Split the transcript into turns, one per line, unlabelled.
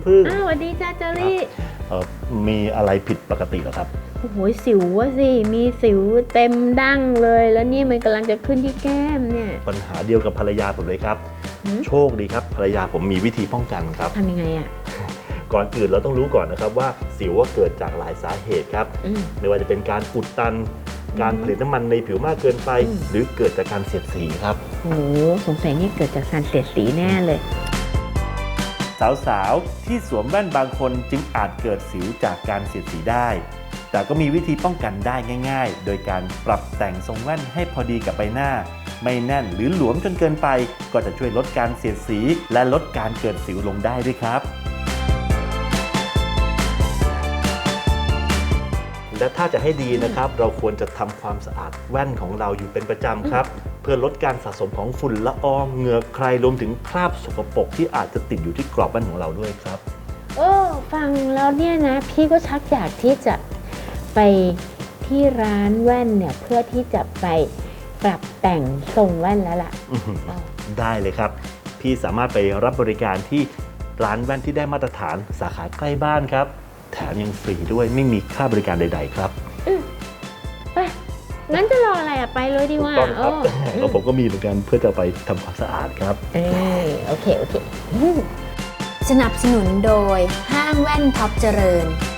พึ่ง
สวัสดีจ้าเจอรี่
มีอะไรผิดปกติเหรอครับ
โอ้โหสิวอะสิมีสิวเต็มดั้งเลยแล้วนี่มันกำลังจะขึ้นที่แก้มเนี่ย
ปัญหาเดียวกับภรรยาผมเลยครับโชคดีครับภรรยาผมมีวิธีป้องกันครับ
ทำยังไงอะ
ก่อนอื่นเราต้องรู้ก่อนนะครับว่าสิวว่าเกิดจากหลายสาเหตุครับไม่ว่าจะเป็นการอุดตันการผลิตน้ำมันในผิวมากเกินไปหรือเกิดจากการเสียดสีครับ
โอ้สงสัยนี่เกิดจากการเสียดสีแน่เลย
สาวๆที่สวมแว่นบางคนจึงอาจเกิดสิวจากการเสียดสีได้แต่ก็มีวิธีป้องกันได้ง่ายๆโดยการปรับแต่งทรงแว่นให้พอดีกับใบหน้าไม่แน่นหรือหลวมจนเกินไปก็จะช่วยลดการเสียดสีและลดการเกิดสิวลงได้ด้วยครับและถ้าจะให้ดีนะครับเราควรจะทำความสะอาดแว่นของเราอยู่เป็นประจำครับเพื่อลดการสะสมของฝุ่นละอองเหงื่อใครรวมถึงคราบสกปรกที่อาจจะติดอยู่ที่กรอบแว่นของเราด้วยครับ
ฟังแล้วเนี่ยนะพี่ก็ชักอยากที่จะไปที่ร้านแว่นเนี่ยเพื่อที่จะไปปรับแต่งทรงแว่นแล้วล่ะ
ได้เลยครับพี่สามารถไปรับบริการที่ร้านแว่นที่ได้มาตรฐานสาขาใกล้บ้านครับแถมยังฟรีด้วยไม่มีค่าบริการใดๆครับ
ไปงั้นจะรออะไรไปเลยดีกว่า
แล้วผมก็มีเหมือนกันเพื่อจะไปทำความสะอาดครับ
โอเค
สนับสนุนโดยห้างแว่นท็อปเจริญ